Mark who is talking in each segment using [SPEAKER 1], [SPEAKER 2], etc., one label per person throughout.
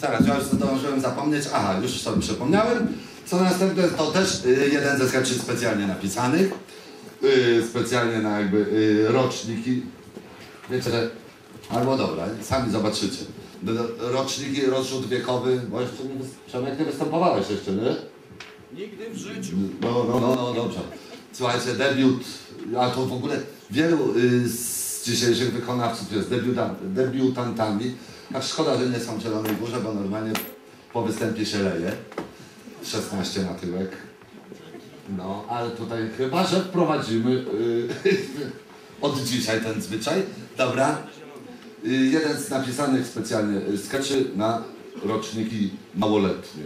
[SPEAKER 1] Teraz ja już zdążyłem zapomnieć. Aha, już sobie przypomniałem. Co następne, to też jeden ze sketchy specjalnie napisanych. Specjalnie na jakby roczniki. Wiecie, że... Albo dobra, sami zobaczycie. Roczniki, rozrzut wiekowy, bo jeszcze nie, Przemek, nie występowałeś jeszcze, nie?
[SPEAKER 2] Nigdy w życiu.
[SPEAKER 1] No, dobrze. Słuchajcie, debiut, a to w ogóle wielu z dzisiejszych wykonawców jest debiutantami. A szkoda, że nie są w Zielonej Górze, bo normalnie po występie się leje. 16 na tyłek. No, ale tutaj chyba, że wprowadzimy od dzisiaj ten zwyczaj. Dobra. Jeden z napisanych specjalnie skeczy na roczniki małoletnie.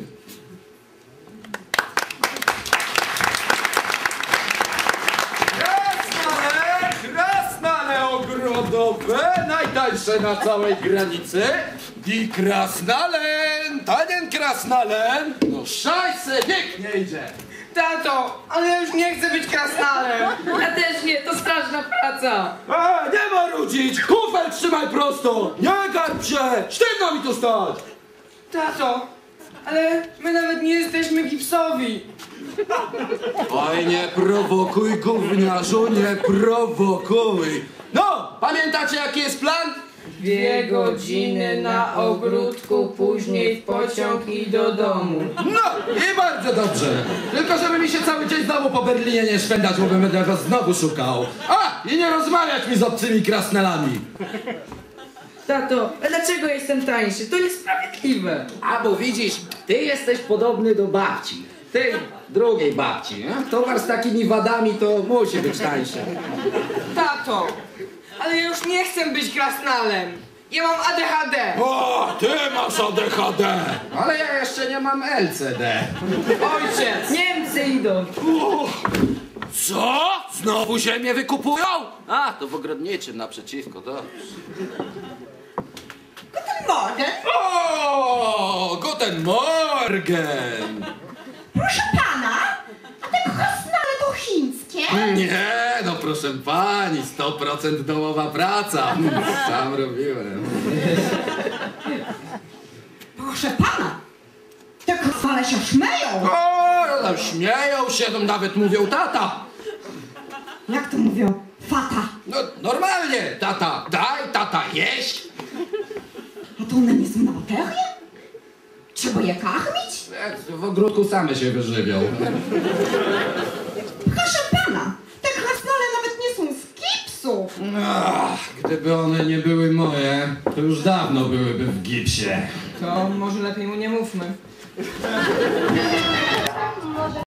[SPEAKER 2] Krasnale ogrodowe, najtańsze na całej granicy. I krasnalen, tanien krasnalen. No szajse, pięknie idzie.
[SPEAKER 3] Tato, ale ja już nie chcę być krasnalem.
[SPEAKER 4] Ja też nie, to straszna praca.
[SPEAKER 2] Nie ma rudzić, kufel trzymaj prosto. Nie garb się, sztywno mi tu stać.
[SPEAKER 3] Tato, ale my nawet nie jesteśmy gipsowi.
[SPEAKER 2] Oj, nie prowokuj, gówniarzu, nie prowokuj. No, pamiętacie jaki jest plan?
[SPEAKER 4] 2 godziny na ogródku, później w pociąg i do domu.
[SPEAKER 2] No i bardzo dobrze. Tylko żeby mi się cały dzień znowu po Berlinie nie szwendać, bo będę was znowu szukał. A, i nie rozmawiać mi z obcymi krasnelami.
[SPEAKER 4] Tato, a dlaczego jestem tańszy? To niesprawiedliwe.
[SPEAKER 5] A bo widzisz, ty jesteś podobny do babci. Tej drugiej babci, nie? Towar z takimi wadami to musi być tańszy.
[SPEAKER 3] Tato, ale ja już nie chcę być krasnalem. Ja mam ADHD.
[SPEAKER 2] O, ty masz ADHD.
[SPEAKER 5] Ale ja jeszcze nie mam LCD.
[SPEAKER 3] Ojciec.
[SPEAKER 4] Niemcy idą.
[SPEAKER 2] Co? Znowu ziemię wykupują?
[SPEAKER 5] A, to w ogrodniczym naprzeciwko, to.
[SPEAKER 6] Morgen.
[SPEAKER 2] O, guten Morgen.
[SPEAKER 6] Proszę pana, a te krasnale to chińskie?
[SPEAKER 5] Nie, no proszę pani, 100% domowa praca. Sam robiłem.
[SPEAKER 6] Proszę pana, te krasnale się śmieją.
[SPEAKER 2] O, tam śmieją się, tam nawet mówią tata.
[SPEAKER 6] Jak to mówią? Fata.
[SPEAKER 2] No normalnie, tata, daj tata jeść.
[SPEAKER 6] A to one nie są na baterię? Trzeba je karmić?
[SPEAKER 5] W ogródku same się wyżywią.
[SPEAKER 6] Proszę pana, te krasnale nawet nie są z gipsu.
[SPEAKER 5] Ach, gdyby one nie były moje, to już dawno byłyby w gipsie.
[SPEAKER 3] To może lepiej mu nie mówmy.